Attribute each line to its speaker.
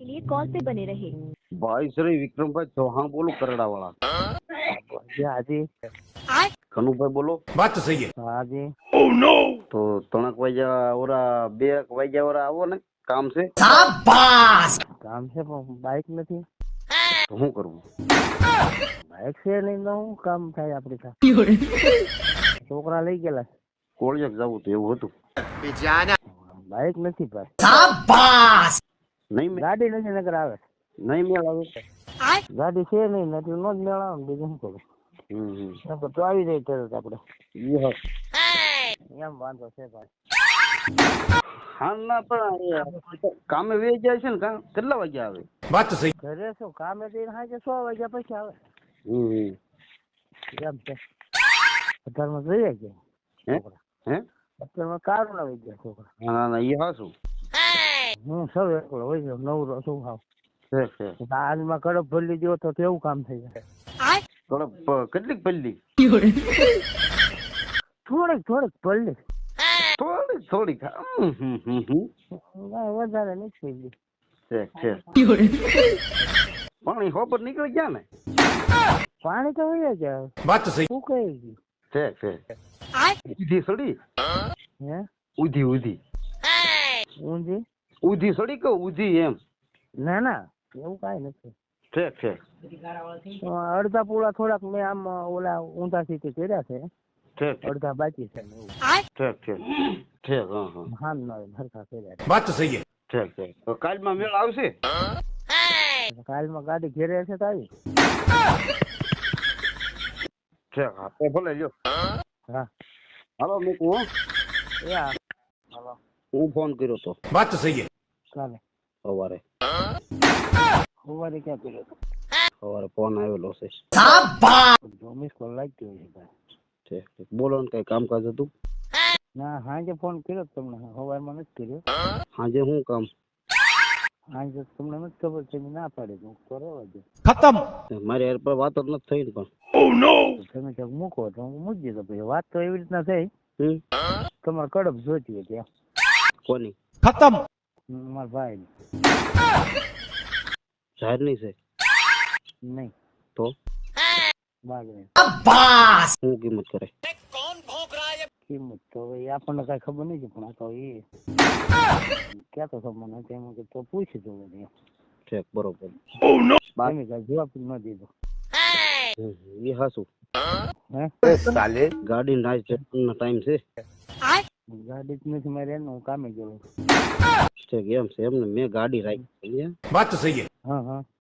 Speaker 1: लिए कॉल पे बने रहे।
Speaker 2: भाई श्री विक्रम भाई चौहान बोलो करड़ा वाला।
Speaker 3: हाँ जी।
Speaker 2: कनु भाई बोलो।
Speaker 4: बात तो सही है।
Speaker 3: हाँ जी।
Speaker 2: तो तणक वाजा ओरा बे वाजा ओरा आवो ने काम से।
Speaker 3: काम से बाइक નથી
Speaker 2: तो हूँ करूँ
Speaker 3: બાઇક છે નહીં તો હું કામ થાય આપણી તા છોકરા લઈ ગયેલા
Speaker 2: કોળિયાક જાવું તો એવું હતું
Speaker 3: બાઇક નથી ભાઈ
Speaker 2: નહીં
Speaker 3: ગાડી નથી નગર આવે
Speaker 2: નહીં મેળ આવે
Speaker 3: ગાડી છે નહીં નથી નો જ મેળ આવે ને બીજું શું કરું નકર તો આવી જાય તરત આપણે એમ વાંધો છે ભાઈ
Speaker 2: હા ના પણ કામે વે જાય છે ને કેટલા વાગ્યા આવે
Speaker 4: बात तो सही।
Speaker 3: ઘરે શું કામે જઈને સાંજે 6 વાગ્યા પછી આવે એમ છે અત્યારમાં જોઈએ કે
Speaker 2: હે હે
Speaker 3: અત્યારમાં કારું ના વહી ગયા છોકરા
Speaker 2: ના ના એ હાસું
Speaker 3: હું સૌ એકલો હોય ગયો નવરો શું ખાવ
Speaker 2: છે છે
Speaker 3: આજમાં કડપ ભરી દો તો કેવું કામ થઈ જાય
Speaker 2: કેટલીક પલ્લી
Speaker 3: થોડીક ભરી
Speaker 2: થોડીક થોડીક
Speaker 3: વધારે નથી થઈ ગઈ
Speaker 2: છે છે પાણી હોપર નીકળી ગયા ને
Speaker 3: પાણી તો હોય જ
Speaker 4: बात तो सही।
Speaker 3: શું કહી ગયું
Speaker 2: છે છે ઉધી સડી
Speaker 3: હે
Speaker 2: ઉધી ઉધી
Speaker 3: ઊંધી
Speaker 2: ઉધી સડી કે ઉધી એમ
Speaker 3: ના ના એવું કાંઈ નથી
Speaker 2: છે છે
Speaker 3: અડધા પૂળા થોડાક મેં આમ ઓલા ઊંધા સીધી કર્યા છે
Speaker 2: છે
Speaker 3: અડધા બાકી છે ને એવું
Speaker 2: છે છે છે હા હા
Speaker 3: હામ ના હરખા કર્યા
Speaker 4: बात तो सही है।
Speaker 2: છે છે તો કાલમાં મેળ આવશે
Speaker 3: છે કાલમાં ગાડી ઘેરે છે તો આવી
Speaker 2: છે હા તો ભલે લ્યો
Speaker 3: હા
Speaker 2: હાલો મૂકું હો
Speaker 3: એ હા હાલો
Speaker 2: હું ફોન કર્યો તો
Speaker 4: बात तो सही है।
Speaker 3: ચાલે
Speaker 2: સવારે
Speaker 3: સવારે ક્યાં કર્યો હતો
Speaker 2: સવારે ફોન આવેલો છે
Speaker 3: જો મિસ કોલ લાગતી હોય છે ભાઈ
Speaker 2: છે બોલો ને કઈ કામકાજ હતું
Speaker 3: ના સાંજે ફોન કર્યો તો તમને સવારમાં નથી કર્યો
Speaker 2: સાંજે શું કામ
Speaker 3: સાંજે તમને નથી ખબર છે ના પાડી દઉં તો રહેવા દે
Speaker 4: खत्म।
Speaker 2: મારી યાર પર વાત જ નથી થઈ ને પણ
Speaker 3: તમે ક્યાંક મૂકો તો હું મૂકી દીધો પછી વાત તો એવી રીતના થઈ તમારે કડપ જોતી હતી
Speaker 2: કોની
Speaker 4: खत्म।
Speaker 3: મારા ભાઈ
Speaker 2: જાહેર નહીં છે
Speaker 3: નહીં
Speaker 2: તો
Speaker 3: બાગની
Speaker 2: શું કિંમત કરે
Speaker 3: કિંમત તો હવે આપણને કઈ ખબર નહીં છે પણ આ તો એ ક્યાં તો ખબર નથી એમ કે તો પૂછી દઉં
Speaker 2: છે બરોબર
Speaker 3: તમે કઈ જવાબ જ ન દીધો
Speaker 2: એ હાસું
Speaker 3: હે
Speaker 4: साले।
Speaker 2: ગાડી નાચ નો ટાઈમ છે
Speaker 3: ગાડી જ નથી મારે એનું હું કામે ગયો
Speaker 2: છે એમ છે એમને મેં ગાડી રાખી
Speaker 4: बात तो सही है।
Speaker 3: હા હા